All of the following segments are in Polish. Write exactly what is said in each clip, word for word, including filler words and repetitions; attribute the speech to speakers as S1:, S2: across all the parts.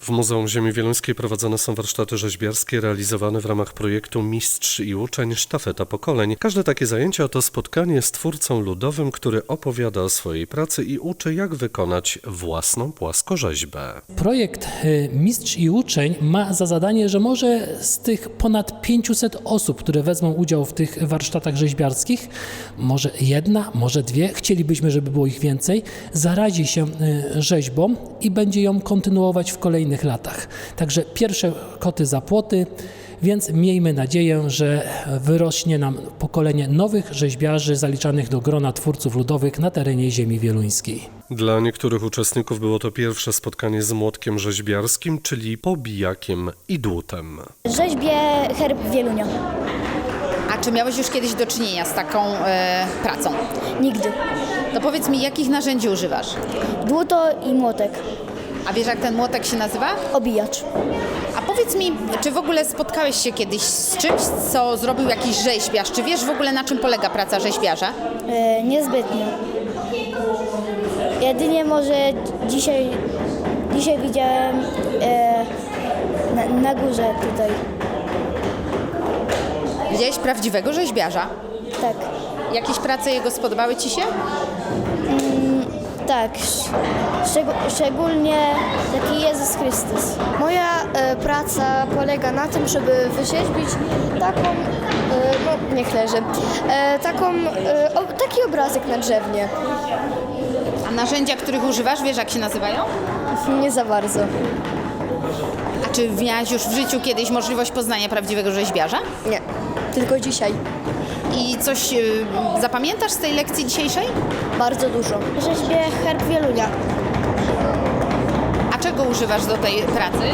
S1: W Muzeum Ziemi Wieluńskiej prowadzone są warsztaty rzeźbiarskie realizowane w ramach projektu Mistrz i Uczeń Sztafeta Pokoleń. Każde takie zajęcia to spotkanie z twórcą ludowym, który opowiada o swojej pracy i uczy, jak wykonać własną płaskorzeźbę.
S2: Projekt Mistrz i Uczeń ma za zadanie, że może z tych ponad pięciuset osób, które wezmą udział w tych warsztatach rzeźbiarskich, może jedna, może dwie, chcielibyśmy, żeby było ich więcej, zarazi się rzeźbą i będzie ją kontynuować w kolejnych latach. Także pierwsze koty za płoty, więc miejmy nadzieję, że wyrośnie nam pokolenie nowych rzeźbiarzy zaliczanych do grona twórców ludowych na terenie Ziemi Wieluńskiej.
S1: Dla niektórych uczestników było to pierwsze spotkanie z młotkiem rzeźbiarskim, czyli pobijakiem i dłutem.
S3: Rzeźbię herb Wielunia.
S4: A czy miałeś już kiedyś do czynienia z taką e, pracą?
S3: Nigdy.
S4: To powiedz mi, jakich narzędzi używasz?
S3: Dłuto i młotek.
S4: A wiesz, jak ten młotek się nazywa?
S3: Obijacz.
S4: A powiedz mi, czy w ogóle spotkałeś się kiedyś z czymś, co zrobił jakiś rzeźbiarz? Czy wiesz w ogóle, na czym polega praca rzeźbiarza?
S3: E, niezbytnio. Jedynie może dzisiaj, dzisiaj widziałem e, na, na górze tutaj.
S4: Widziałeś prawdziwego rzeźbiarza?
S3: Tak.
S4: Jakieś prace jego spodobały ci się?
S3: Tak. Szczeg- szczególnie taki Jezus Chrystus.
S5: Moja e, praca polega na tym, żeby wyrzeźbić taką, e, no niech leży, e, taką, e, o, taki obrazek na drzewnie.
S4: A narzędzia, których używasz, wiesz, jak się nazywają?
S5: Nie za bardzo.
S4: A czy miałaś już w życiu kiedyś możliwość poznania prawdziwego rzeźbiarza?
S5: Nie, tylko dzisiaj.
S4: I coś y, zapamiętasz z tej lekcji dzisiejszej?
S5: Bardzo dużo.
S3: Rzeźbię herb Wielunia.
S4: A czego używasz do tej pracy?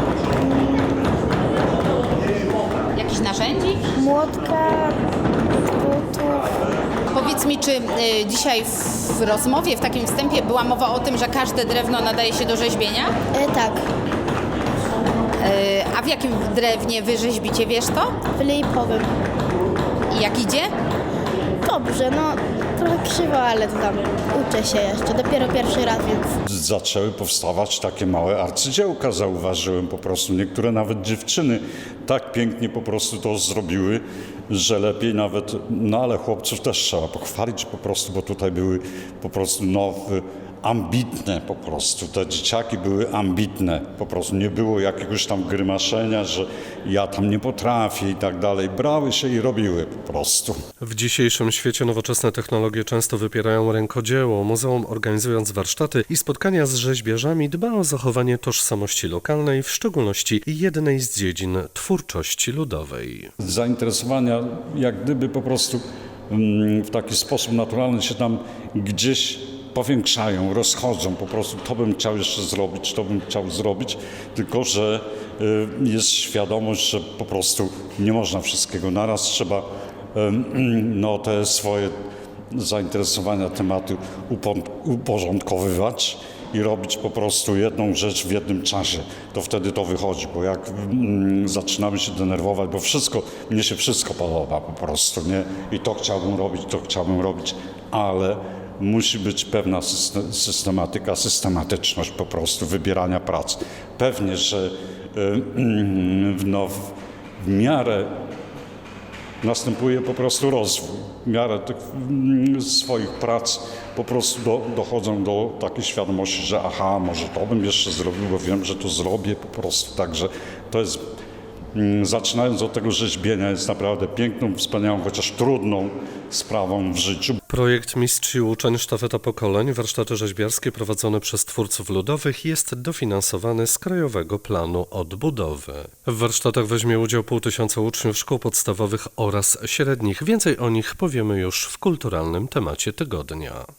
S4: Jakichś narzędzi?
S3: Młotka, dłutów.
S4: Powiedz mi, czy y, dzisiaj w rozmowie, w takim wstępie była mowa o tym, że każde drewno nadaje się do rzeźbienia?
S3: E, tak.
S4: Y, a w jakim drewnie wy rzeźbicie, wiesz to?
S3: Wyleipowym.
S4: I jak idzie?
S3: Dobrze, no trochę krzywo, ale to tam uczę się jeszcze. Dopiero pierwszy raz, więc...
S6: Zaczęły powstawać takie małe arcydziełka, zauważyłem po prostu. Niektóre nawet dziewczyny tak pięknie po prostu to zrobiły, że lepiej nawet, no ale chłopców też trzeba pochwalić po prostu, bo tutaj były po prostu no, ambitne po prostu. Te dzieciaki były ambitne po prostu. Nie było jakiegoś tam grymaszenia, że ja tam nie potrafię i tak dalej. Brały się i robiły po prostu.
S1: W dzisiejszym świecie nowoczesne technologie często wypierają rękodzieło. Muzeum, organizując warsztaty i spotkania z rzeźbiarzami, dba o zachowanie tożsamości lokalnej, w szczególności jednej z dziedzin twórczości ludowej.
S6: Zainteresowania jak gdyby po prostu w taki sposób naturalny się tam gdzieś powiększają, rozchodzą, po prostu to bym chciał jeszcze zrobić, to bym chciał zrobić, tylko że jest świadomość, że po prostu nie można wszystkiego naraz, trzeba no, te swoje zainteresowania, tematy uporządkowywać i robić po prostu jedną rzecz w jednym czasie, to wtedy to wychodzi, bo jak mm, zaczynamy się denerwować, bo wszystko, mnie się wszystko podoba po prostu, nie? I to chciałbym robić, to chciałbym robić, ale musi być pewna systematyka, systematyczność po prostu wybierania prac. Pewnie, że no, w miarę następuje po prostu rozwój. W miarę tych swoich prac po prostu do, dochodzą do takiej świadomości, że aha, może to bym jeszcze zrobił, bo wiem, że to zrobię po prostu. Także to jest, zaczynając od tego rzeźbienia, jest naprawdę piękną, wspaniałą, chociaż trudną sprawą w życiu.
S1: Projekt Mistrz i Uczeń Sztafeta Pokoleń, warsztaty rzeźbiarskie prowadzone przez twórców ludowych, jest dofinansowany z Krajowego Planu Odbudowy. W warsztatach weźmie udział pół tysiąca uczniów szkół podstawowych oraz średnich. Więcej o nich powiemy już w kulturalnym temacie tygodnia.